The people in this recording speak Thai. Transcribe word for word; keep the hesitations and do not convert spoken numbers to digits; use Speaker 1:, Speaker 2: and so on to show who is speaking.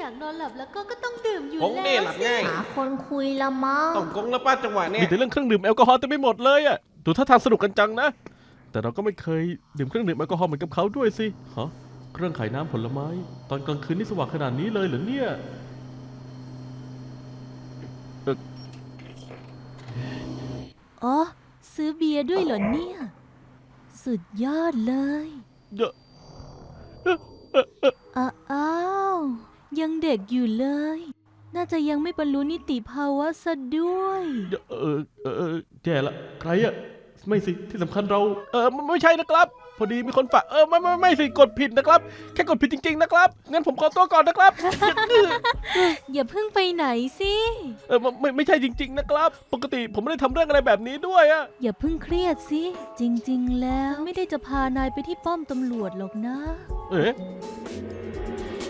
Speaker 1: อยากนอนหลับแล้วก็ก็ต้องดื่มอยู่
Speaker 2: กง
Speaker 1: แล้ว
Speaker 2: นี่หลับง่าย
Speaker 3: หาคนคุยละมั้ง
Speaker 2: ต้องกงแล้วป้าจังหวะเนี้
Speaker 4: มี
Speaker 2: ย
Speaker 4: แต่เรื่องเครื่องดื่มแอลกอฮอล์เต็มไปหมดเลยอะดูท่าทางสนุกกันจังนะแต่เราก็ไม่เคยดื่มเครื่องดื่มแอลกอฮอล์เหมือนกับเขาด้วยสิฮะเครื่องขายน้ำผลไม้ตอนกลางคืนนี่สว่างขนาดนี้เลยเหรอเนี่ย
Speaker 1: อ๋อซื้อเบียร์ด้วยเหรอเนี่ยสุดยอดเลย
Speaker 4: เยอะ
Speaker 1: อ้าอ้าวยังเด็กอยู่เลย น่าจะยังไม่บรรลุนิติภาวะซะด้วย
Speaker 4: เยอะเออเออเออแย่ละใครอะไม่สิที่สำคัญเราเออไม่ไม่ใช่นะครับ พอดีมีคนฝากเออไม่ไม่ไม่สิกดผิดนะครับ แค่กดผิดจริงๆนะครับงั้นผมขอตัวก่อนนะครับ
Speaker 1: อย่าเพิ่งไปไหนสิ
Speaker 4: เออไม่ไม่ใช่จริง ๆนะครับ ปกติผมไม่ได้ทำเรื่องอะไรแบบนี้ด้วยอะ
Speaker 1: อย่าเพิ่งเครียดสิ จริงๆ แล้วไม่ได้จะพานายไปที่ป้อมตำรวจหรอกนะ
Speaker 4: เอ๊ะ